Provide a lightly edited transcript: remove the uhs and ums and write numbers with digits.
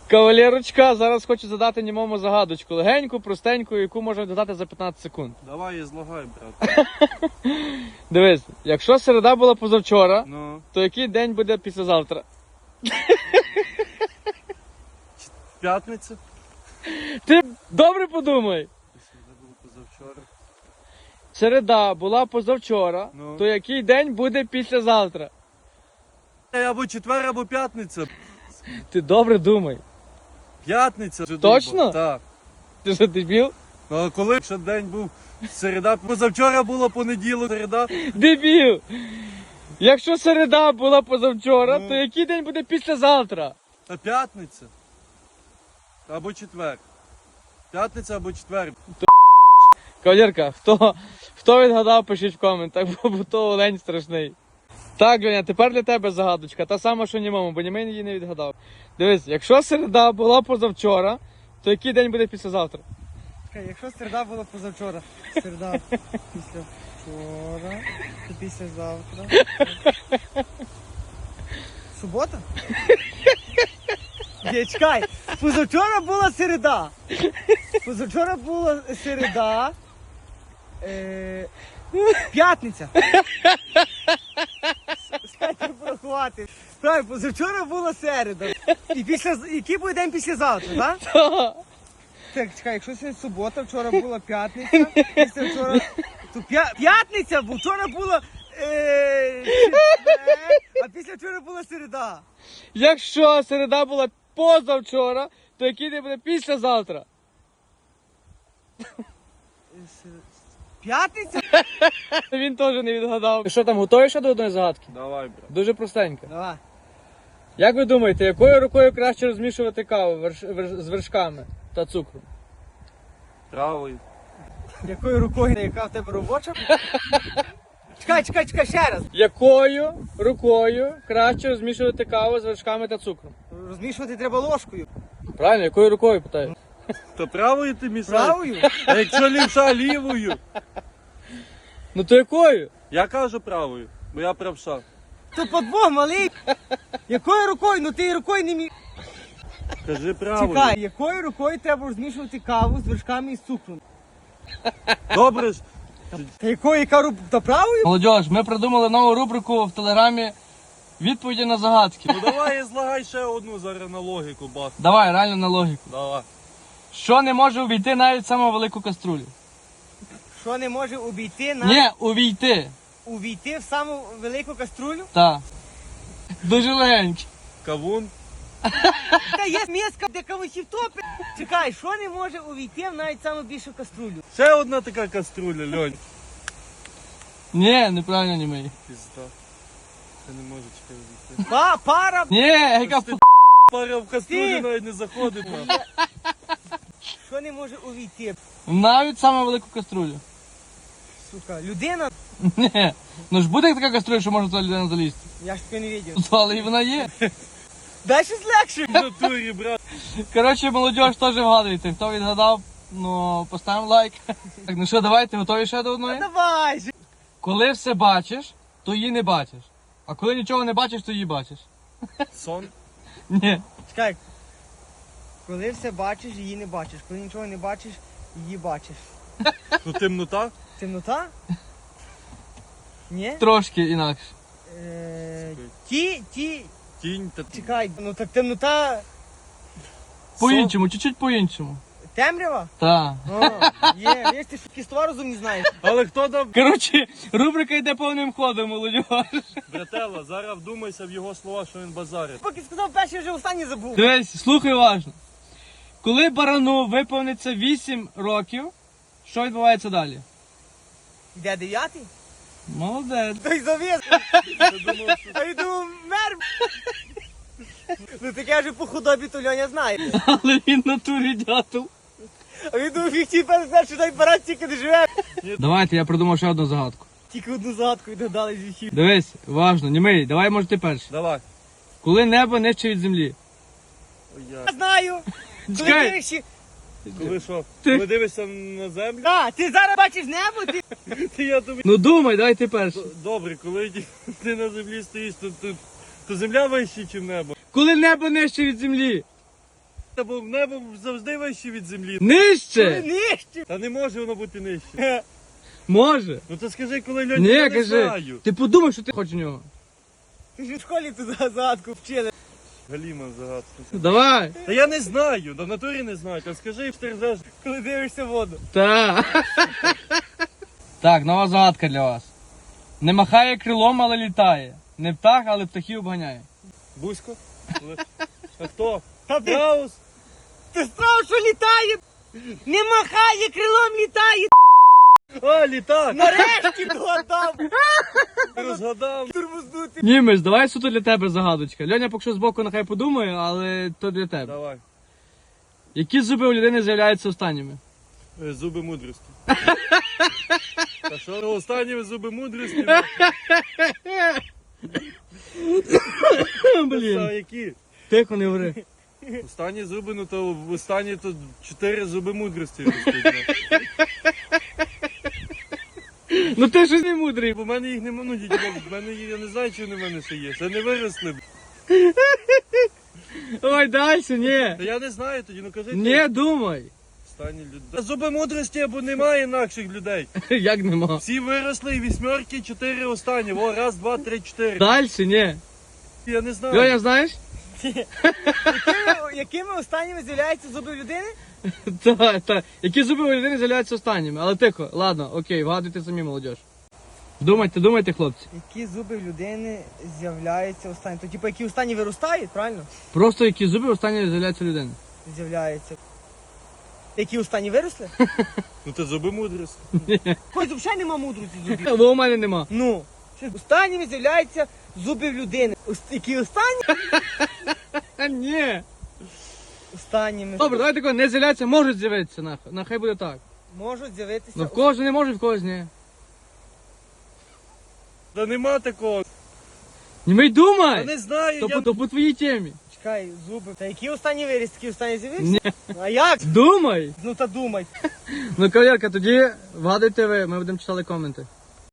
Кавалерочка, зараз хочу задати німому загадочку. Легеньку, простеньку, яку можна додати за 15 секунд. Давай, злагай, брат. Дивись, якщо середа була позавчора, Ну, то який день буде післязавтра? п'ятниця. Ти добре подумай. Це було позавчора. Середа була позавчора, Ну. то який день буде післязавтра? Або четвер, або п'ятниця. Ти добре думай. П'ятниця. вже Точно? думав. Так. Ти що, дебіл? Ну, а коли ще день був середа, позавчора було понеділок, середа. Дебіл! Якщо середа була позавчора, Ну. то який день буде післязавтра? А п'ятниця. Або четвер. П'ятниця або четвер. Кавалерка, хто відгадав, пишіть в коментах, бо то олень страшний. Так, Леня, тепер для тебе загадочка, та сама, що німому, бо німий її не відгадав. Дивись, якщо середа була позавчора, то який день буде післязавтра? Якщо середа була позавчора, середа післявчора, то післязавтра. Субота? Ні, чекай, позавчора була середа. Позавчора була середа. П'ятниця. Скажіть порахувати. Правильно, позавчора була середа. І який буде день післязавтра, так? Так, чекай, якщо сьогодні субота, вчора була п'ятниця, після вчора... То п'ятниця, бо вчора була четвер, а після вчора була середа. Якщо середа була позавчора, то який день буде післязавтра? П'ятниця? Він теж не відгадав. Що там, готові ще до одної загадки? Давай, брат. Дуже простенько. Давай. Як ви думаєте, якою рукою краще розмішувати каву з вершками та цукром? Правою. Якою рукою, яка в тебе робоча? Чекай, ще раз. Якою рукою краще розмішувати каву з вершками та цукром? Розмішувати треба ложкою. Правильно, якою рукою, питаю? То правою ти мішаєш? Правою? А якщо лівша, лівою? Ну то якою? Я кажу правою, бо я правша. То подвох малий. Якою рукою? Ну ти і рукою не міг. Кажи правою. Чекай, якою рукою треба розмішувати каву з вершками і з цукром? Добре ж. Та якою, яка руб... Та правою? Молодіж, ми придумали нову рубрику в телеграмі відповіді на загадки. Ну давай злагай ще одну зараз на логіку, бас. Давай, реально на логіку. Давай. Що не може увійти навіть в саму велику каструлю? Що не може увійти Ні, увійти. увійти в саму велику каструлю? Так. Дуже легенько. Кавун. Та є миска, де кавусів топить. Чекай, що не може увійти в навіть саму більшу каструлю? Ще одна така каструля, Льонь. Ні, неправильно не мої. Пізда. Це не може чекай вийти. Пара. Ні, яка Ти пара в каструлю Ти. навіть не заходить. на. Що не може увійти? навіть саму велику каструлю. Сука, людина? Ні. Ну ж буде така каструля, що може туди людина залізти. Я ж таке не бачив. Але і вона є. Дай щось легше. В натурі, брат. Коротше, молодіж, теж вгадуйте. Хто відгадав, ну поставимо лайк. Так, ну що, давайте, готові ще до одної? Давай же. Коли все бачиш, то її не бачиш. А коли нічого не бачиш, то її бачиш. Сон. Ні. Чекай. Коли все бачиш, її не бачиш. Коли нічого не бачиш, її бачиш. Ну темнота. Темнота? Ні? Трошки інакше. Тінь та Чекай, ну так темнота По-іншому, чуть-чуть по-іншому. темрява? Так. О, є, видиш, ти що слова розум не знаєш. Але хто дав? Коротше, рубрика йде повним ходом, молодіж. Братела, зараз вдумайся в його слова, що він базарить. Поки сказав перший, вже останній забув. Дивись, слухай уважно. Коли барану виповниться 8 років, що відбувається далі? Де 9? Молодець. Той завіз. Я думав, що А я думав, мер. Ну таке вже по худобі то Льоня знає. Але він в натурі дятел. А він думав, їх перед що той парад тільки не живе. Давайте, я придумав ще одну загадку. Тільки одну загадку додали з віхів. Дивись, уважно, німий, давай, може ти перший. Давай. Коли небо нижче від землі. Ой, Я знаю. Коли Чекай. дивишся... Коли що? Ти- Коли дивишся на землю, А, ти зараз бачиш небо, ти... я тобі... Ну думай, давай ти перший. Добре, коли ти на землі стоїш, то земля вища, ніж небо. Коли небо нижче від землі. Та бо небо завжди вище від землі. Нижче! Нижче. Та не може воно бути нижче. Може. Ну то скажи, коли Льоня, Ні, я не кажи. знаю. Ти подумай, що ти хочеш в нього. Ти ж в школі туди загадку вчили. Галіма загадку. Давай. Та я не знаю, в натурі не знаю. Та скажи, що ти ржеш. Коли дивишся в воду. Так. Так, нова загадка для вас. Не махає крилом, але літає. Не птах, але птахів обганяє. Бузько? А хто? Та ти, Страус? ти страв, що літає. Не махає, крилом літає. А, літак! Нарешті догадав. Розгадав. Турмознути. Німець, давай суто для тебе загадочка. Льоня поки що збоку нехай подумає, але то для тебе. Давай. Які зуби у людини з'являються останніми? Зуби мудрості. Та що, ну, останні зуби мудрості? Та Блін, які? тихо не говори. Останні зуби, ну то в останні то 4 зуби мудрості ростуть. Ну ти щось не мудрий. Бо в мене їх нема, ну дідько, в мене їх, я не знаю, чи вони в мене ще є. Це не виросли. Ой, далі, ні. Та я не знаю тоді, ну кажи. Не думай. Останні люди. Зуби мудрості, або немає інакших людей. Як нема? Всі виросли і вісьмерки, 4 останні. О, раз, два, три, 4. Далі, ні. Я не знаю. Льоня, знаєш? Якими останніми з'являються зуби людини? Так. Які зуби у людини з'являються останніми? Але тихо, ладно, окей, вгадуйте самі, молодіж. Думайте, хлопці. Які зуби в людини з'являються останні? То типу, які останні виростають, правильно? Просто які зуби останні з'являються у людини. З'являються. Які останні виросли? Ну це зуби мудрості. Хоч взагалі нема мудрості зубів. Бо у мене нема. Ну, останніми з'являються зуби в людини. Які останні? Ні. Останніми Добре, давай такого, не з'являються, можуть з'явитися, нехай буде так. можуть з'явитися. Ну в когось не може, в когось ні. Та нема такого. Німей Та думай! не знаю, я... То по твоїй темі. Чекай, зуби. Та які останні виріс, які останні з'явився? Ні. А як? Думай! Ну та думай. Ну, кавалерка, тоді вгадуйте ви, ми будемо читати коменти.